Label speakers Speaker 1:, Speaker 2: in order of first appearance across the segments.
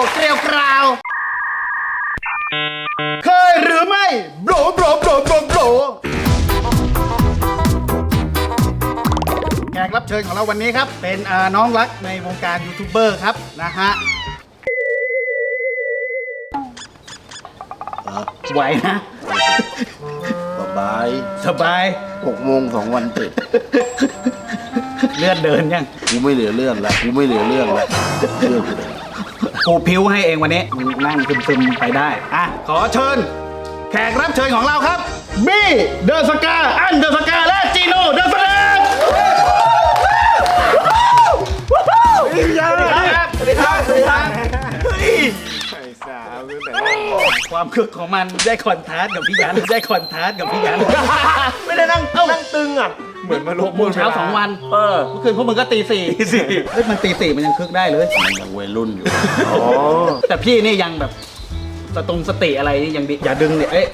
Speaker 1: เกลียวกราวเคยหรือไม่โบรโบรโบรโบรโบรแขกรับเชิญของเราวันนี้ครับเป็นน้องรักในวงการยูทูบเบอร์ครับนะฮะไหวนะ
Speaker 2: สบาย
Speaker 1: สบาย
Speaker 2: 6 โมง 2 วันติด
Speaker 1: เลือดเดินยัง
Speaker 2: กูไม่เหลือเรื่องแล้วกูไม่เหลือเรื่องแล้วเรื่องกูเลย
Speaker 1: ปูพิ้วให้เองวันนี้นั่งซึมๆไปได้อ่ะขอเชิญแขกรับเชิญของเราครับบี้เดอะสกาอันเดอะสกาและจีโน่เดอะสกาสวัสดีครับสวัสดีครับสวัสดีครับความคึกของมันได้คอนทราสต์กับพี่ยันได้คอนทราสต์กับพี่ยัน
Speaker 3: ไม่ได้นั่งตึงอ่ะ เหมือนมาลบ
Speaker 1: 6 โมงเช้า2 วันเมื่อคืนพวกมึงก็ตี 4เฮ้ยมันตี 4มันยังคึกได้เลย
Speaker 2: มันยังวัยรุ่นอยู่
Speaker 3: อ๋อ
Speaker 1: แต่พี่นี่ยังแบบสติอะไรยังดีอย่าดึงเนี่ยเอ้ย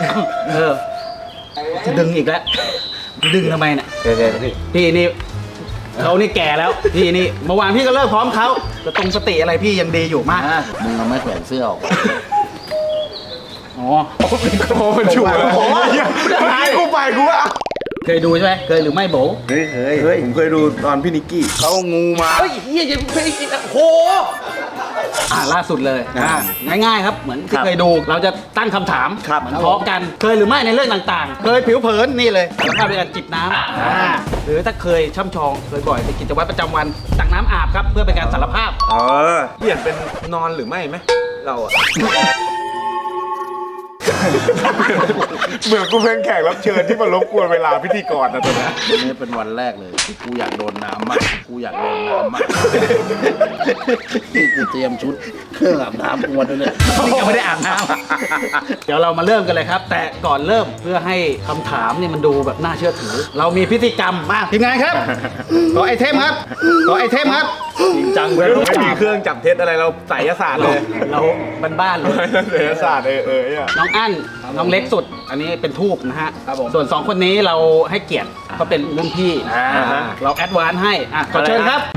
Speaker 1: จะดึงอีกแล้วดึงทำไมเนี่ยพี่นี่เขานี่แก่แล้วพี่นี่เมื่อวานพี่ก็เลิกพร้อมเขาสติอะไรพี่ยังดีอยู่มาก
Speaker 2: มึงเอาไม้แขวนเสื้อออก
Speaker 1: อ๋อ
Speaker 3: มันชัวร์แล้วกูไปกูว่า
Speaker 1: เคยดูใช่ไหมเคยหรือไม่โบ
Speaker 3: เฮ้ยผมเคยดูตอนพี่นิกกี้เขางูมา
Speaker 1: เฮ้ยเฮียยังเคยโหล่าสุดเลยง่ายๆครับเหมือนที่เคยดูเราจะตั้งคำถามเหมือนทอล์กกันเคยหรือไม่ในเรื่องต่างๆ เคยผิวเผินนี่เลยสภาพในการจิบน้ำหรือถ้าเคยช่ำชองเคยบ่อยในกิจวัตรประจำวันตักน้ำอาบครับเพื่อเป็นการสารภาพ
Speaker 3: เปลี่ยนเป็นนอนหรือไม่ไหมเราอะเหมือนกูเป็นแขกรับเชิญที่มารบกวนเวลาพิธีกรนะตัวนี้
Speaker 2: วันนี้เป็นวันแรกเลยที่กูอยากโดนน้ำมากกูอยากโดนน้ำมากที่กูเตรียมชุดเครื่องอาบน้ำกูมาด้วยเนี่ย
Speaker 1: นี่ก็ไม่ได้อาบน้ำ เดี๋ยวเรามาเริ่มกันเลยครับ แต่ก่อนเริ่มเพื่อให้คำถามเนี่ยมันดูแบบน่าเชื่อถือ เรามีพิธีกรรมมาทีมงานครับขอไอเทมครับขอไอเทมครับ
Speaker 3: จริงจังเลยไม่มีเครื่องจับเท็จอะไรเราไสยศาสตร์เลย
Speaker 1: เราบ้านๆเลย
Speaker 3: ไสยศาสตร์เนี่ย
Speaker 1: น้องอั้นน้องเล็กสุด อันนี้เป็นทูบนะฮะส่วน 2 คนนี้เราให้เกียรติเขาเป็นรุ่นพี่เราแอดวานซ์ให้ขอเชิญครับ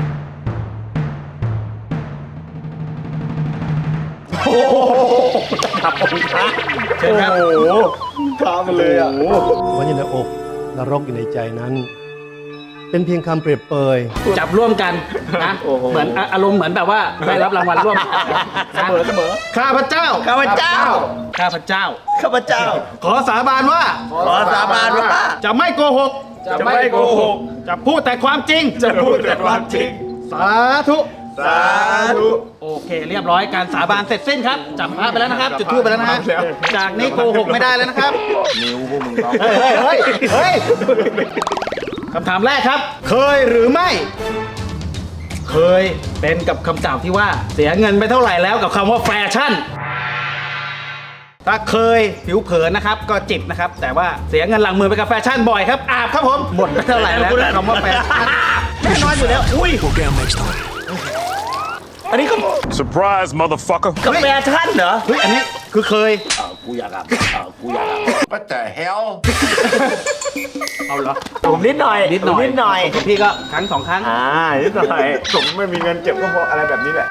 Speaker 1: โอ้โหขับองค์พระเชิญครับ
Speaker 3: โอ้โหท้ามันเลยอ่ะ
Speaker 4: วันอยู่ในอกนรกอยู่ในใจนั้น เป็นเพียงคำเปรียบเปย
Speaker 1: จับร่วมกันนะเหมือนอารมณ์เหมือนแบบว่าได้รับรางวัลร่วมเสมอข้าพเจ้าขอสาบานว่าจะไม่โกหกจะพูดแต่ความจริง สาธุโอเคเรียบร้อยการสาบานเสร็จสิ้นครับจับพระไปแล้วนะครับจุดธูปไปแล้วนะฮะจากนี้โกหกไม่ได้แล้วนะครับ
Speaker 2: นิ้วพวกมึงต้อง
Speaker 1: เฮ้ยคำถามแรกครับ เคยหรือไม่ เคยเป็นกับคำกล่าวที่ว่าเสียเงินไปเท่าไหร่แล้วกับคำว่าแฟชั่น ถ้าเคยผิวเผินนะครับก็จิบนะครับแต่ว่าเสียเงินหลังมือไปกับแฟชั่นบ่อยครับอาบครับผมหมดไปเท่าไหร่แล้วกับคำว่าแฟชั่นแน่นอนอยู่แล้วอุ้ย
Speaker 3: อันนี้ก็
Speaker 5: Surprise, motherfucker.
Speaker 3: กับแฟชั่นเหรอ
Speaker 1: เฮ้ยอันนี้คือเคย
Speaker 2: กูอยากอาบกูอยากอาบ What the hell
Speaker 1: เอาเหรอ
Speaker 3: ผมนิดหน่อย
Speaker 1: นิดหน่อยของพี่ก็ครั้ง 2 ครั้ง
Speaker 3: นิดหน่อยผมไม่มีเงินเก็บก็เพราะอะไรแบบนี้แหละ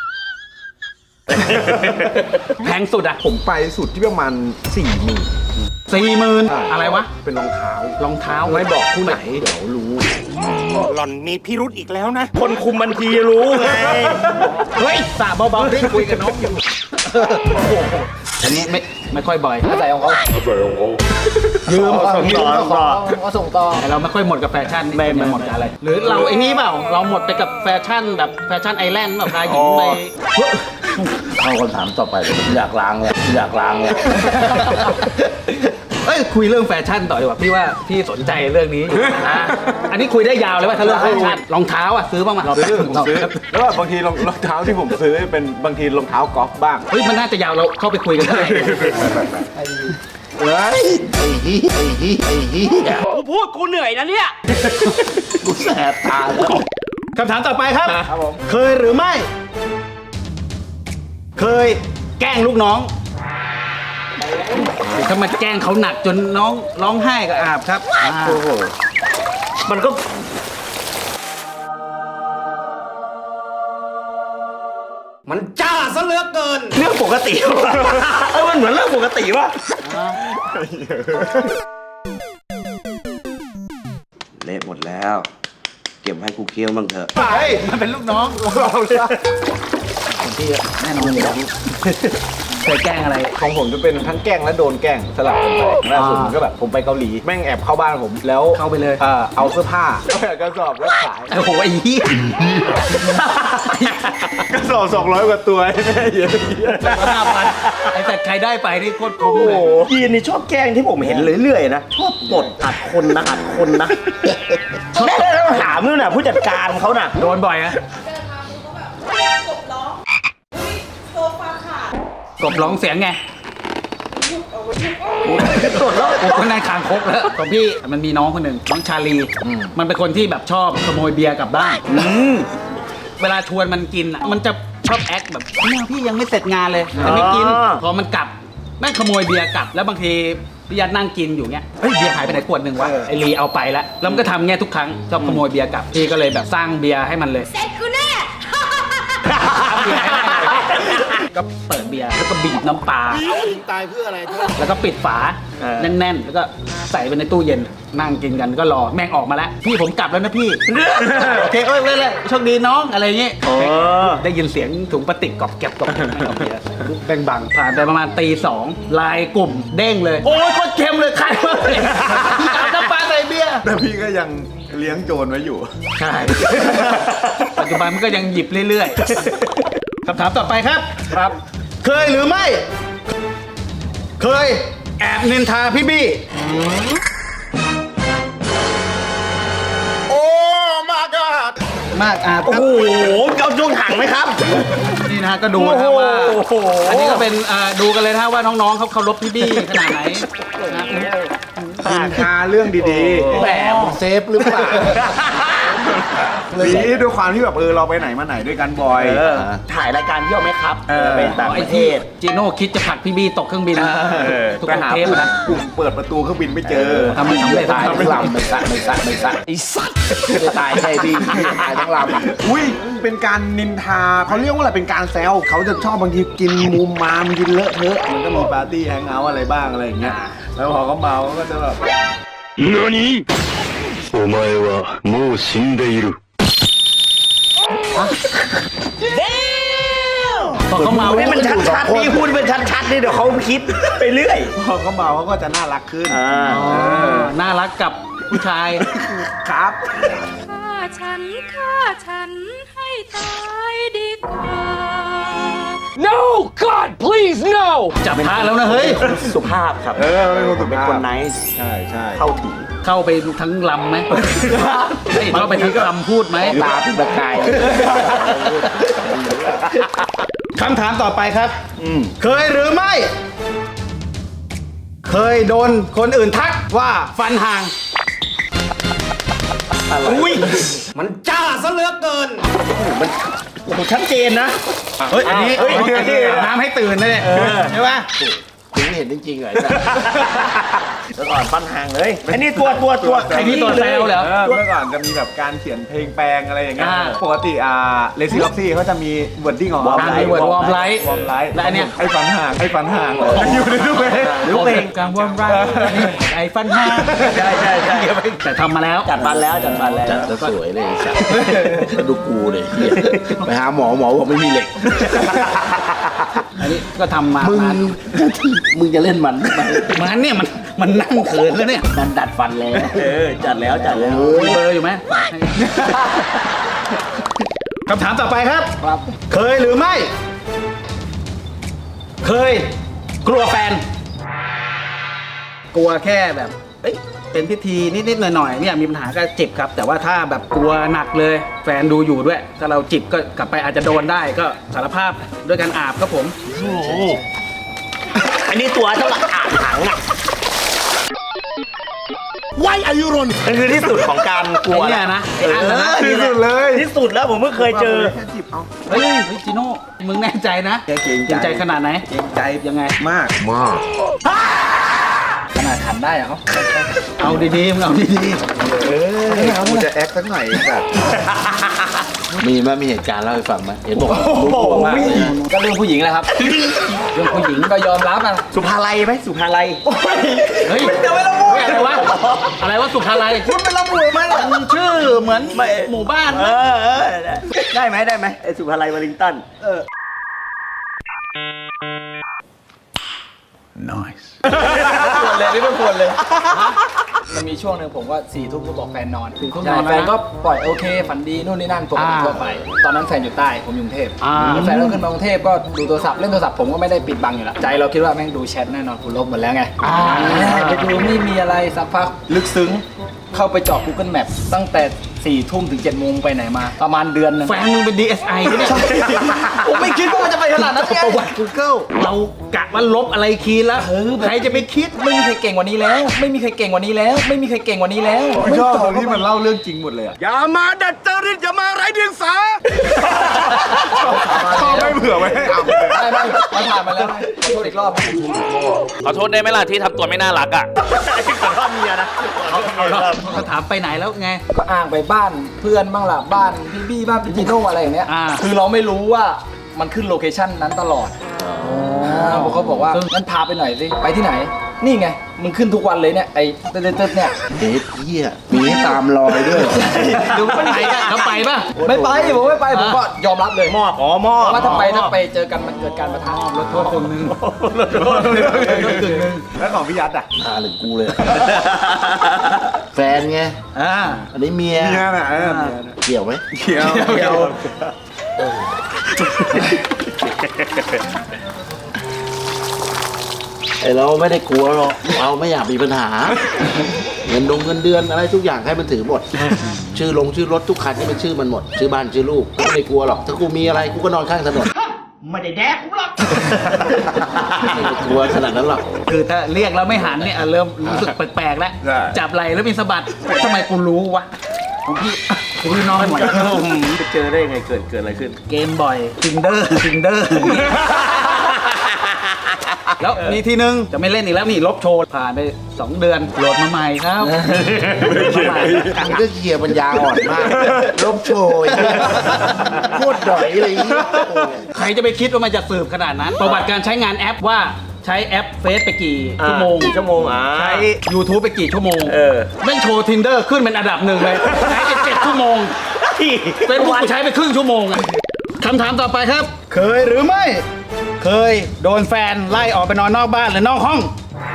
Speaker 1: แพงสุดอ่ะ
Speaker 3: ผมไปสุดที่ประมาณ
Speaker 1: 40,000อะไรวะ
Speaker 3: เป็นรองเท้าร
Speaker 1: องเท้า
Speaker 3: ไม่บอกคู่ไหนเดี๋ยวรู้
Speaker 5: หล่อนมีพิรุธอีกแล้วนะ
Speaker 3: คนคุมบัญชีรู้ไง
Speaker 1: เฮ้ยสาเบาๆที่คุยกับน้องอยู่อันนี้ไม่ค่อยบ่อยใส่ของเขายืมก็ส่งต่อแต่เราไม่ค่อยหมดกับแฟชั่นไม่หมดกับอะไร หรือเราไอ้นี่เปล่าเราหมดไปกับแฟชั่นแบบแฟชั่นไอแลนด์แบบพาหญิงไป
Speaker 2: เข้าคำถามต่อไปเลยอยากล้างเนี่ย
Speaker 1: เอ้ยคุยเรื่องแฟชั่นต่อดีกว่าพี่ว่าพี่สนใจเรื่องนี้อยู่นะอันนี้คุยได้ยาวเลยว่าถ้าเรื่องแฟชั่นรองเท้าอ่ะซื้อบ้างไหม
Speaker 3: ผมซื้อแล้วแบบบางทีรองเท้าที่ผมซื้อเป็นบางทีรองเท้ากอล์ฟบ้าง
Speaker 1: เฮ้ยมันน่าจะยาวเราเข้าไปคุยกันได้
Speaker 2: เฮ้ยไอ้ฮีย
Speaker 5: กูพูดกูเหนื่อยนะเนี่ย
Speaker 2: กูแสบตาแล้ว
Speaker 1: คำถามต่อไปครับ
Speaker 3: ครับผม
Speaker 1: เคยหรือไม่ เคยแกล้งลูกน้องถ้ามาแกล้งเขาหนักจนน้องร้องไห้ก็อาบครับ
Speaker 3: โอ้โหมันก็
Speaker 5: มันจ้า
Speaker 6: ซะเหลือเกิน
Speaker 7: เรื่องปกติวะมันเหมือนเรื่องปกติวะเละหมดแล้ว เก็บให้กูเคี้ยวบ้างเถอะ
Speaker 1: ไปมันเป็นลูกน้องเราเลยของพี่แน่นอนอยู่แล้วเคยแกล้งอะไร
Speaker 3: ของผมจะเป็นทั้งแกล้งและโดนแกล้งสลับกันไปล่าสุดก็แบบผมไปเกาหลีแม่งแอบเข้าบ้านผมแล้ว
Speaker 1: เข้าไปเลย
Speaker 3: เอาเสื้อผ้าเอากระสอบแล้วขาย
Speaker 1: โอ้โหไอ้เหี้ย
Speaker 3: กระสอบ200 กว่าตัวแม่เยอะ
Speaker 1: 5,000ไอ้แต่ใครได้ไปนี่โคตรคุ้ม
Speaker 7: โอ้
Speaker 1: เล
Speaker 7: โห
Speaker 1: ย
Speaker 7: ยีนนี่ชอบแกล้งที่ผมเห็นเรื่อยๆนะ ชอบกดอัดคนนะอัดคนนะแม่ต้องถามนู่นน่ะผู้จัดการเขาน่ะ
Speaker 1: โดนบ่อยอะ
Speaker 8: เดินมากูก็แบบกบร้องอุ๊ยโซฟาขาด
Speaker 1: กบร้องเสียงไง
Speaker 7: กดแล้ว
Speaker 1: โอ้คนในคางคกแล้วของพี่มันมีน้องคนหนึ่งน้องชาลี มันเป็นคนที่แบบชอบขโมยเบียร์กลับบ้านเวลาชวนมันกินอะมันจะชอบแอคแบบเนี่ยพี่ยังไม่เสร็จงานเลยแต่ไม่กินพอมันกลับแม่งขโมยเบียร์กลับแล้วบางทีพี่ยัดนั่งกินอยู่เงี้ยเฮ้ยเบียร์หายไปไหนขวดหนึ่งวะไอลีเอาไปแล้วแล้วมันก็ทำเงี้ยทุกครั้งชอบขโมยเบียร์กลับพี่ก็เลยแบบสร้างเบียร์ให้มันเลย
Speaker 8: เสร็จกูแน่
Speaker 1: ก็เปิดเบียร์แล้วก็บีบน้ำปลา
Speaker 2: ตายเพื่ออะไร
Speaker 1: แล้วก็ปิดฝาแน่นๆ แล้วก็ใส่ไปในตู้เย็นนั่งกินกันก็รอแม่งออกมาแล้วพี่ผมกลับแล้วนะพี่ โอเคเอ้ยเว้ยเลยโชคดีน้องอะไรเงี้ยได้ยินเสียงถุงพลาสติกกรอบแก็บกรอบแก็บเอาเบียร์แบ่งบังผ่านไปประมาณตี 2ไลน์กลุ่มเด้งเลย โอ้ยโคตรเค็มเลยใครวะพี่เอาน้ำปลาใส่เบียร์
Speaker 3: แต่พี่ก็ยังเลี้ยงโจรไว้อยู่
Speaker 1: ใช่ ปัจจุบันมันก็ยังหยิบเรื่อยๆ คำถามต่อไปครับ ครับ เคยหรือไม่ เคยแอบนินทาพี่บี้
Speaker 3: โอ้มาก็
Speaker 1: มากอาบ
Speaker 7: โอ้
Speaker 1: ครับ
Speaker 7: โหเอาจงถังไหมครับ
Speaker 1: นี่นะฮะก็ดูนะครับว่า
Speaker 7: โอ้โห
Speaker 1: อันนี้ก็เป็นดูกันเลยนะว่าน้องๆเขาเคารพพี่บี้ขนาดไหนนะ
Speaker 3: นินทาเรื่องดีๆ
Speaker 2: แหมมึงเซฟหรือเปล่า
Speaker 3: ดีด้วยความที่แบบเราไปไหนมาไหนด้วยกันบ่อย
Speaker 7: ถ่ายรายการเที่ยวไหมครับไปต่าง
Speaker 1: ไอ้
Speaker 7: ประเท
Speaker 1: ที่
Speaker 7: ศ
Speaker 1: จีโน่คิดจะผลักพี่บี้ตกเครื่องบินทุก
Speaker 3: ไปหา
Speaker 1: เทป
Speaker 3: ปุ่ม
Speaker 1: นะ
Speaker 3: ปุ่มเปิดประตูเครื่องบินไม่เจอ
Speaker 1: ทำไม่สำเร็จ
Speaker 2: ตายทั้งลำไม่สะไม่สะไม่สะ
Speaker 7: ไอ้สัตว์
Speaker 2: ไม่ได้ตายใช่พี่ตายทั้งลำ
Speaker 3: อุ้ยเป็นการนินทาเขาเรียกว่าอะไรเป็นการแซวเขาจะชอบบางทีกินมุมมามกินเลอะเทอะมันก็มีปาร์ตี้แฮงเอาท์อะไรบ้างอะไรอย่างเงี้ยแล้วพอเขาเมาเขาก็จะแบบ
Speaker 5: 何
Speaker 9: お前はもう死んでいる。
Speaker 1: พอเขาเมา
Speaker 7: ให้มันชัดๆนี่พูดเป็นชัดๆนี่เดี๋ยวเขาคิดไปเรื่อย
Speaker 3: พอเขาเมาเขาก็จะน่ารักขึ้น
Speaker 1: น่ารักกับผู้ชาย
Speaker 3: ครับ
Speaker 8: ฆ่าฉันให้ตายดีกว่า
Speaker 5: No God please no
Speaker 1: จับพระแล้วนะเฮ้ย
Speaker 7: สุภาพครับ
Speaker 3: เป็นคนสุ
Speaker 7: เป็น
Speaker 3: ภาพ
Speaker 7: คนไนส์
Speaker 3: ใช่ใช่
Speaker 7: เข้าถึง
Speaker 1: เข้าไปทั้งลำไหมเข้าไปทั้งลำพูดไหม
Speaker 2: ตาเป็นประกาย
Speaker 1: คำถามต่อไปครับ เคยหรือไม่ เคยโดนคนอื่นทักว่าฟันห่าง
Speaker 7: อุ้ย
Speaker 6: มันจ้าซะเหลือเกิน
Speaker 7: โอ้โหชัดเจนนะ
Speaker 1: เฮ้ย อันนี้
Speaker 7: เฮ้ย
Speaker 1: อาบน้ำให้ตื่นนะเนี่ยใช่ปะ
Speaker 2: ถึงเห็นจริงๆเลยนะ
Speaker 7: แล้วก่อนปั้นห่างเลยไอ้นี่ตัว
Speaker 1: ไอ้นี่ตัวแซวเหรอ
Speaker 3: เมื่อก่อนจะมีแบบการเขียนเพลงแปลงอะไรอย่างเงี้ย
Speaker 1: อ่า
Speaker 3: ปกติเลซี่ล็อกซี่เขาจะมีวอร์ดดิ้งของ
Speaker 1: มี word warm light
Speaker 3: วอร์มไลท์
Speaker 1: และอันเนี้ย
Speaker 3: ไอ้ฝันห่างอยู่ในทุกเพลง
Speaker 1: หรือเพลงกลางวอร์มไรไอ้ฟันห่าง
Speaker 7: ใช่
Speaker 1: แต่ทำมาแล้ว
Speaker 7: จัดฟันแล้ว
Speaker 2: จัดแล้วสวยเลยไอ้สัสดูกูเลยเหี้ยไปหาหมอบอกไม่มีเหล็ก
Speaker 1: อันนี้ก็ทำมา
Speaker 2: มึงจะเล่นมัน
Speaker 1: มันเนี่ยมันนั่งเขินแล้วเนี่ย
Speaker 2: มันดัดฟันแล้ว
Speaker 7: จัดแล้ว
Speaker 1: มีเบอร์อยู่ไหมคำถามต่อไปครับ เคยหรือไม่ เคย กลัวแฟน กลัวแค่แบบ เอ้ย เป็นพิธีนิดๆหน่อยๆไม่อยากมีปัญหาก็จิบครับ แต่ว่าถ้าแบบกลัวหนักเลย แฟนดูอยู่ด้วย ถ้าเราจิบก็กลับไปอาจจะโดนได้ก็สารภาพด้วยการอาบครับผม
Speaker 7: อันนี้ตัวเท่ากับอ่างถังอ่ะ
Speaker 9: Why are you running
Speaker 7: มันคือที่สุดของการกลัว
Speaker 1: ไอ้เนี่ยนะไอ้อันนั้นนะ
Speaker 3: ที่สุดเลย
Speaker 7: ที่สุดแล้วผมเพิ่งเคยเจอ
Speaker 3: แค่จิบเอา
Speaker 1: เฮ้ยจิโน่ มึงแน่ใจนะ
Speaker 3: เกรงใจ
Speaker 1: ใจขนาดไหน
Speaker 3: เกรงใจ
Speaker 1: ยังไง
Speaker 3: มาก
Speaker 9: มาก
Speaker 1: ขนาดขันได้อะเอาดีๆมึงเอาดี
Speaker 3: กูจะแอคสักหน่อยแบบ
Speaker 2: มีไหมมีเหตุการณ์เล่าให้ฟังไหมเห็นบอกว่ารู้ตัวมากเลยนะ
Speaker 1: ๆก็เรื่องผู้หญิงแหละครับ เรื่องผู้หญิงก็ยอมรับอ่ะ
Speaker 7: สุภาลัยไหมสุภาลัย
Speaker 1: เฮ้ยเดี๋ยวไม่ระบุอะไรวะอะไรวะสุภาลัยคุณเป็นระบุไหมมันชื่อเหมือนหมู่บ้าน
Speaker 7: ได้ไหมไอ้สุภาลัยวอลลิงตัน
Speaker 1: ควรเลยนี่ไม่ควรเลยมันมีช่วงหนึ่งผมว่า4 ทุ่มก็บอกแฟนนอน4 ทุ่มนอนแฟนก็ปล่อยโอเคฝันดีนู่นนี่นั่นปกติทั่วไปตอนนั้นแฟนอยู่ใต้ผมอยู่กรุงเทพแล้วแฟนก็ขึ้นมากรุงเทพก็ดูโทรศัพท์เล่นโทรศัพท์ผมก็ไม่ได้ปิดบังอยู่แล้วใจเราคิดว่าแม่งดูแชทแน่นอนกูลบหมดแล้วไงไปดูไม่มีอะไรสักพักลึกซึ้งเข้าไปเจาะ Google Map ตั้งแต่4 ทุ่มถึง7 โมงไปไหนมาประมาณเดือนนึงแฟนมึงเป็น DSI เนี่ยผมไม่คิดว่ามันจะไปขนาดนั้นประวัติ Google เรากะว่าลบอะไรคีย์แล้วใครจะไปคิดไม่มีใครเก่งกว่านี้แล้ว ไม่มีใครเก่งกว่านี้แล้ว ไม่มีใครเก่งกว่านี้แล้ว
Speaker 3: ชอบตรงที่มันเล่าเรื่องจริงหมดเลยอะ
Speaker 6: อย่ามาดัดจริตอย่ามาไร้เดียงสา
Speaker 3: ชอบไม่เผื่อไว้ให้อ่ำเลย
Speaker 1: ไม่มันผ่านมาแล้วขอโทษอีกรอบ
Speaker 5: ขอโทษได้ไหมล่ะที่ทำตัวไม่น่ารักอ่ะ
Speaker 7: ขอโทษเมียนะ
Speaker 1: เขาถามไปไหนแล้วไงก็อ้างไปบ้านเพื่อนบ้างล่ะบ้านพี่บี้บ้านพี่จีโน่อะไรอย่างเงี้ยคือเราไม่รู้ว่ามันขึ้นโลเคชั่นนั้นตลอดผมก็บอกว่างั้นพาไปหน่อยสิไปที่ไหน นี่ไงมึงขึ้นทุกวันเลยเนี่ยไอ้เต๊ดเนี่ย
Speaker 2: เด็ดเหี้ยมีให้ตามรอยด้วย
Speaker 1: ดูไปไหนกันแล้วไปป่ะไม่ไปผมไม่ไปผมก็ยอมรับเลยมอบว่าถ้าไปเจอกันมันเกิดการประทะลดโทษคนนึง
Speaker 3: แล้วของพี่ยัดอ่ะ
Speaker 2: พาถึงกูเลย แฟนไง อันนี้เมีย
Speaker 3: เมียน่ะเมียน่ะ
Speaker 2: เกี่ยวไหม
Speaker 3: เขียว
Speaker 2: ไอเราไม่ได้กลัวหรอกเราไม่อยากมีปัญหา เงินเดือนอะไรทุกอย่างให้มันถือหมด ชื่อรถทุกคันนี่เป็นชื่อมันหมด ชื่อบ้านชื่อลูกกูไม่กลัวหรอกถ้ากูมีอะไรกูก็นอนข้างถนน
Speaker 7: ไม่ได้แดกกูหรอก
Speaker 2: ไม่กลัวขนาดนั้นหรอก
Speaker 1: คือถ้าเรียกแล้วไม่หันเนี่ยเริ่มรู้สึกแปลกๆแล้วจับไหล่แล้วมีสะบัดทำไมกูรู้วะของพี่นอนหมด
Speaker 7: ไปเจอได้ยังไงเกิดอะไรขึ้น
Speaker 1: เกมบ่อยทิงเดอร์แล้วมีทีนึงจะไม่เล่นอีกแล้วนี่ลบโชว์ผ่านไป2 เดือนโหลดมาใหม่ครับ
Speaker 2: มันก็เคลียร์ปัญญาอ่อนมากลบโชยโคตรดอยเลย
Speaker 1: ใครจะไปคิดว่ามันจะสืบขนาดนั้น ประวัติการใช้งานแอปว่าใช้แอปเฟซไปกี่ชั่วโมง ใช้ YouTube ไปกี่ชั่วโมงแม่งโชว์ Tinder ขึ้นเป็นอันดับ1เลยใช้ไป7 ชั่วโมงเฟซบุ๊กใช้ไปครึ่งชั่วโมงอะคำถามต่อไปครับ เคยหรือไม่ เคยโดนแฟนไล่ออกไปนอนนอกบ้านหรือนอกห้อง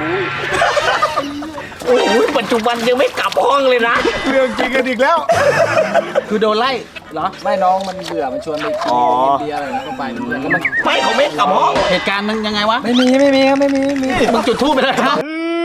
Speaker 7: โอ้ยปัจจุบันยังไม่กลับห้องเลยนะ
Speaker 3: เรื่องจริงกันอีกแล้ว
Speaker 1: คือโดนไล่เหรอไม่น้องมันเบื่อมันชวนไปกินเบียร์อะไรก็ไปเบื่อแล้วมัน
Speaker 7: ไม่เขาไม่กลับห้อง
Speaker 1: เหตุการณ์มันยังไงวะไม่มีครับไม่มีมึงจุดทูบไปเลยครับ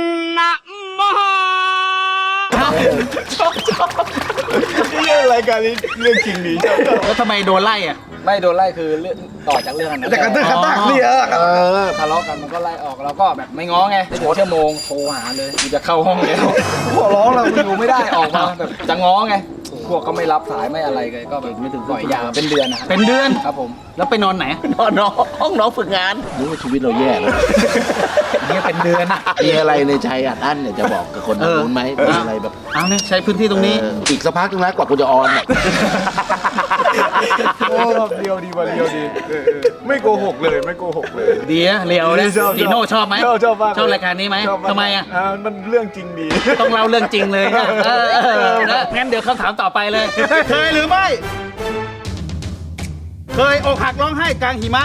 Speaker 3: นี่รายการนี้เรื่องจริงดีชอบ
Speaker 1: แล้วทำไมโดนไล่อ่ะไม่โดนไล่คือเรื่องต่อจากเรื่องนั้น
Speaker 3: แต่กระตึกกระตักนี่
Speaker 1: ทะเลาะกันมันก็ไล่ออกเราก็แบบไม่ง้อไงไม่ถึงชั่วโมงโทรหาเลยกูจะเข้าห้องแล้วขอร้องเราอยู่ไม่ได้ออกมาแบบจะง้อไงพวกก็ไม่รับสายไม่อะไรเลยก็แบบไม่ถึงปล่อยยาวเป็นเดือนนะเป็นเดือนครับผมแล้วไปนอนไหน
Speaker 7: นอนห้องน้องฝึกงาน
Speaker 2: นึกว่าชีวิตเราแย่แล้ว
Speaker 1: เนี่ยเป็นเดือนอะ
Speaker 2: มีอะไรในใจอัดอั้นเนี่ยจะบอกกับคนทางนู้นไหมมีอะไรแบบ
Speaker 1: เอาเนี่ยใช้พื้นที่ตรงนี้
Speaker 2: อีกสักพักนึงนะกว่ากูจะออนเนี่ย
Speaker 3: โอ้เดียวดีวันเดียวดีไม่โกหกเลยไม่โกหกเลย
Speaker 1: ดีนะเรียวนะจีโน่ชอบไหม
Speaker 3: ชอบมาก
Speaker 1: ชอบรายการนี้ไหม
Speaker 3: ชอบาก
Speaker 1: ทำไมอ่ะ
Speaker 3: มันเรื่องจริงดี
Speaker 1: ต้องเล่าเรื่องจริงเลยนะนะงั้นเดี๋ยวคำถามต่อไปเลย เคยหรือไม่ เคยอกหักร้องไห้กลางหิมะ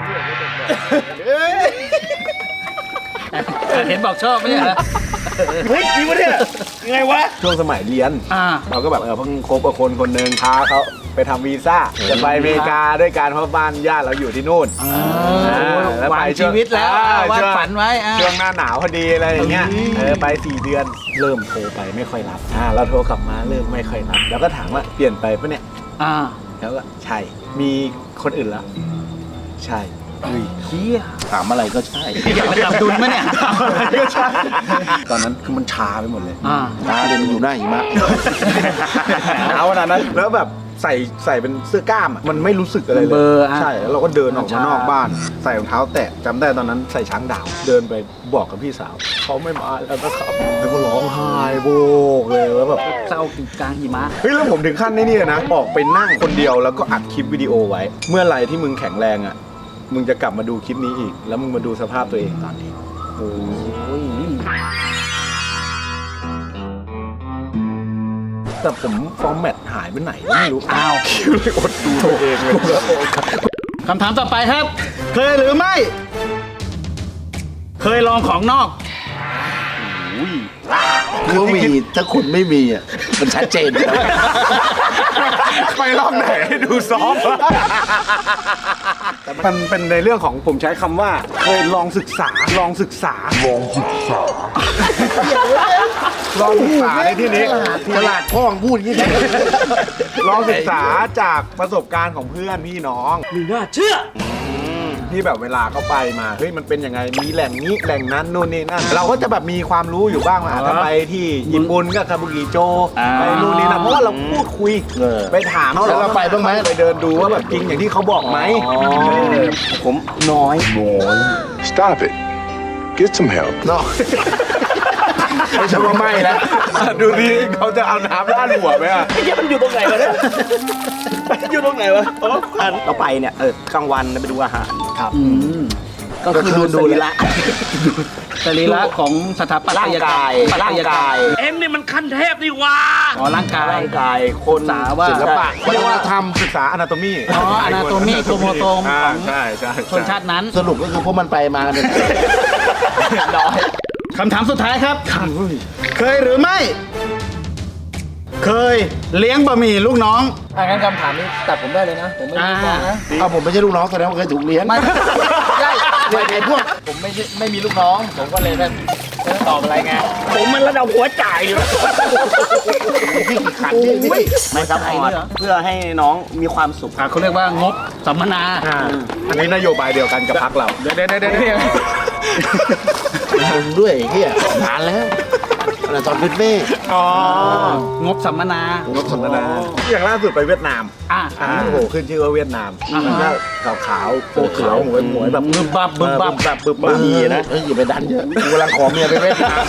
Speaker 1: เห็นบอกชอบไหมเนี่ย
Speaker 3: เฮ้ยจริงปะเนี่ยยังไงวะช่วงสมัยเรียนเราก็แบบเพิ่งคบกับคนหนึ่งพาเขาไปทำวีซ่าจะไปอเมริกาด้วยการเพราะบ้านญาติเราอยู่ที่นู่น
Speaker 1: วางชีวิตแล้ววาดฝันไว้
Speaker 3: ช่วงหน้าหนาวพอดีอะไรอย่างเงี้ยไป4 เดือนเริ่มโทรไปไม่ค่อยรับเราโทรกลับมาเริ่มไม่ค่อยรับแล้วก็ถามว่าเปลี่ยนไปปะเนี่ยแล้วก็ใช่มีคนอื่นแล้วใช่
Speaker 1: เฮีย
Speaker 2: ถามอะไรก็ใช่
Speaker 1: อยากไปจับดุลไหมเนี่ย
Speaker 3: ก็ใช่ตอนนั้นคือมันชาไปหมดเลย
Speaker 2: ตาเดินอยู่หน้าหิมะ
Speaker 3: หนาวขนาดนั้นแล้วแบบใส่เป็นเสื้อกล้ามอะมันไม่รู้สึกอะไรเล
Speaker 1: เบ
Speaker 3: ย
Speaker 1: อร์อะ
Speaker 3: ใช่แล้วเราก็เดินออกมานอกบ้าน ใส่รองเท้าแตะจำได้ตอนนั้นใส่ช้างดาวเดินไปบอกกับพี่สาวเขาไม่มาแล้วนะครับแล้วก็ร้องไห้โบกเลยแล้วแบบ
Speaker 1: เศร้ากลางหิมะ
Speaker 3: เฮ้ยแล้วผมถึงขั้นนี่เลยนะออกไปนั่งคนเดียวแล้วก็อัดคลิปวิดีโอไว้ เมื่อไหร่ที่มึงแข็งแรงอ่ะมึงจะกลับมาดูคลิปนี้อีก แล้วมึงมาดูสภาพตัวเองตอนนี้โอ้ยแต่ผมฟอร์แมตหายไปไหนก็ไม่รู้
Speaker 1: อ้าว
Speaker 3: คิวเลยอดดูตัวเองเลย
Speaker 1: คำถามต่อไปครับ เคยหรือไม่ เคยลองของนอก
Speaker 2: คือมีถ้าคุณไม่มีอ่ะมันชัดเจนอยู่แล้ว
Speaker 3: ไปรอบไหนให้ดูซอฟต์แต่มันเป็นในเรื่องของผมใช้คำว่าเคยลองศึกษาลองศึกษาในที่นี้
Speaker 2: ตลาดพ่องพูดอย่างนี้ได้
Speaker 3: ลองศึกษาจากประสบการณ์ของเพื่อนพี่น้องมีน่าเชื่อที่แบบเวลาเขาไปมาเฮ้ยมันเป็นยังไงมีแหล่งนี้แหล่งนั้นนู่นนี่นั่นเราก็จะแบบมีความรู้อยู่บ้างว่าถ้าไปที่ญี่ปุ่นก็คาบุกิโจไปนู่นนี่นั่นเพราะว่าเราพูดคุยไปถามเขา
Speaker 2: แล้วเราไปบ้างไหม
Speaker 3: ไปเดินดูว่าแบบจริงอย่างที่เขาบอกไหม
Speaker 7: ผมน้อย
Speaker 9: Stop it. Get some help.
Speaker 2: เนาะไม่ใช่ว่าไม่นะ
Speaker 3: ดูดิเขาจะเอาน้ำราดหัวไหมอ่ะ
Speaker 7: ไอ้เหี้ยมันอยู่ตรงไหนวะเนี่ยอยู่ตรงไหนวะเราไปเนี่ยกลางวันไปดูอาหารครับ
Speaker 1: ก็คือดูสรีระสรีระของสถาปัต
Speaker 7: ร่าง
Speaker 1: ยกรร
Speaker 7: กาย
Speaker 1: ม
Speaker 7: ร่างกาย
Speaker 5: เอ็งนี่มันขั้นเทพนี่หว่า
Speaker 1: อ๋อร่างกาย
Speaker 7: ร่างกายคน
Speaker 1: สาว่า
Speaker 2: ศิลปะวัฒนธรรม
Speaker 3: ศึกษาอนาโตมี
Speaker 1: อ๋อ anatomy โครโมโซมของ
Speaker 3: ใช่ใช่
Speaker 1: ชนชาตินั้น
Speaker 2: สรุปก็คือพวกมันไปมาเนี่ย
Speaker 1: น้อยคำถามสุดท้ายครับ เคยหรือไม่ เคยเลี้ยงบะหมี่ลูกน้อง
Speaker 3: งั้นคำถามนี้ตัดผมได้เลยนะ ผมไม่มีฟ้องนะ
Speaker 2: เอาผมไม่ใช่ลูกน้องแสดงว่าเคยถูกเลี้ยง
Speaker 1: ไม่ใช่
Speaker 2: ไอ้พวก
Speaker 3: ผมไม่มีลูกน้อง ผมก็เลยไม่ตอบอะไรไง
Speaker 7: ผมมันระดับหัวจ่ายอยู่
Speaker 2: พี่กี่ขันพี่พี่
Speaker 7: ไม่ซัพพอร์ตเพื่อให้น้องมีความสุข
Speaker 1: เขาเรียกว่างบสัมมนา
Speaker 3: อันนี้นโยบายเดียวกันกับพรรคเรา เดี๋ยว
Speaker 2: ด้วยไอ้เฮียนานแล้วตอนเป็นเฟ่
Speaker 3: อ๋อง
Speaker 1: บสัมมนา
Speaker 3: งบสนทนาอย่างล่าสุดไปเวียดนาม
Speaker 1: อ่ะ
Speaker 3: โอ้โหขึ้นชื่อว่าเวียดนามมันก็ขาวๆโปกขาวหมวยแบบ
Speaker 1: บึบบับบึบบับ
Speaker 3: แบบบึบบับ
Speaker 2: ดีนะเฮ้ยอย่าไปดันเยอะกูกำลังขอเมียไปเวียดนาม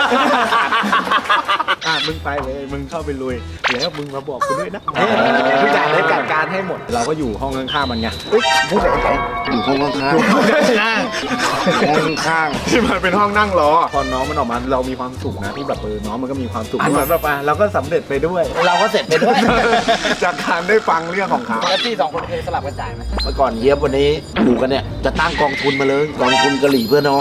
Speaker 3: มึงไปเลยมึงเข้าไปลุยแล้วมึงมาบอกกูด้วยนะทุกอย่างได้จัดการให้หมด เราก็อยู่ห้องข้างๆมันไงพูดอะไรกัน
Speaker 2: อยู่ห้องข้างๆห้องข้าง
Speaker 3: ที่มันเป็นห้องนั่งรอพอน้องมันออกมาเรามีความสุขนะที่แบบน้องมันก็มีความสุขเหมือนแบบเราก็สำเร็จไปด้วย
Speaker 2: เราก็เสร็จไปด้วย
Speaker 3: จากการได้ฟังเรื่องของเขา
Speaker 1: แล้วพี่สองคนเคยสลับกันจ่ายไหม
Speaker 2: เมื่อก่อนเยียบวันนี้อยู่กันเนี่ยจะตั้งกองทุนมาเลยกองทุนกะหรี่เพื่อน้อง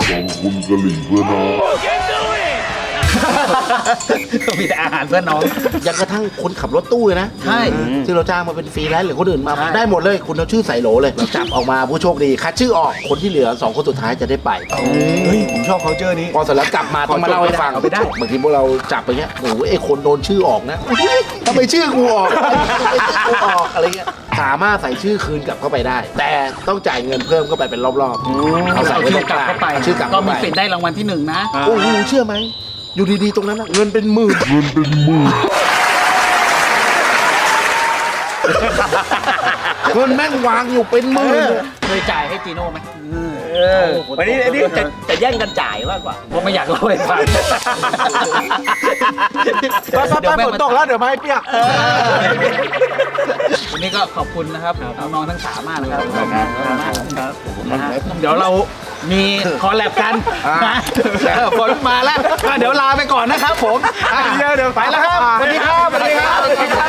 Speaker 1: มีแต่อาหารเพื่อนน้อง
Speaker 2: ยังกระทั่งคนขับรถตู้เลยนะ
Speaker 1: ใช่
Speaker 2: ที่เราจ้างมาเป็นฟรีแลนซ์หรือคนอื่นมาได้หมดเลยคุณเอาชื่อใส่โหลเลยเราจับออกมาผู้โชคดีคัดชื่อออกคนที่เหลือ2คนสุดท้ายจะได้ไป
Speaker 3: เฮ้ยผมชอบ culture นี้
Speaker 2: พอเสร็จแล้วกลับมาต้องมาเล่าให้ฟัง
Speaker 3: เอาไปได้
Speaker 2: บางทีพวกเราจับไปเงี้ยโอ้โหไอ้คนโดนชื่อออกนะทำไมชื่อกูออกทำไมชื่อกูออกอะไรเงี้ยสามารถใส่ชื่อคืนกลับเข้าไปได้ แต่ต้องจ่ายเงินเพิ่มเข้าไปเป็นรอบๆเอาใส่
Speaker 1: เอา
Speaker 2: ไว้
Speaker 1: ชื่
Speaker 2: ต
Speaker 1: อ
Speaker 2: รง
Speaker 1: ก
Speaker 2: ก
Speaker 1: ลับ
Speaker 2: ลาง
Speaker 1: เข้าไป
Speaker 2: เอาชื่อกลับ
Speaker 1: ก็
Speaker 2: เข้า
Speaker 1: มี
Speaker 2: ไป
Speaker 1: สิทธิ์ได้รางวัลที่ 1 นะ
Speaker 2: โอ้โหเชื่อไหมอยู่ดีๆตรงนั้นน่ะเงินเป็นหมื่นเงินแม่งวางอยู่เป็นหมื่น
Speaker 1: เคยจ่ายให้จีโน่ไหม
Speaker 7: วันนี้จะแย่งกันจ่ายมากกว่า
Speaker 1: ผมไม่อยากเล่าให้ฟัง
Speaker 3: ไปฝนตกแล้วเดี๋ยวมาให้เปียก
Speaker 1: วันนี้ก็ขอบคุณนะครับน้องๆทั้งสามมากนะครับขอบคุณมากครับนะฮะเดี๋ยวเรามีคอลแลบกันนะฝนมาแล้วก็เดี๋ยวลาไปก่อนนะครับผม
Speaker 3: เดี๋ยว
Speaker 1: ไปแล้วครับสวัสดีครับสวัสดีครับ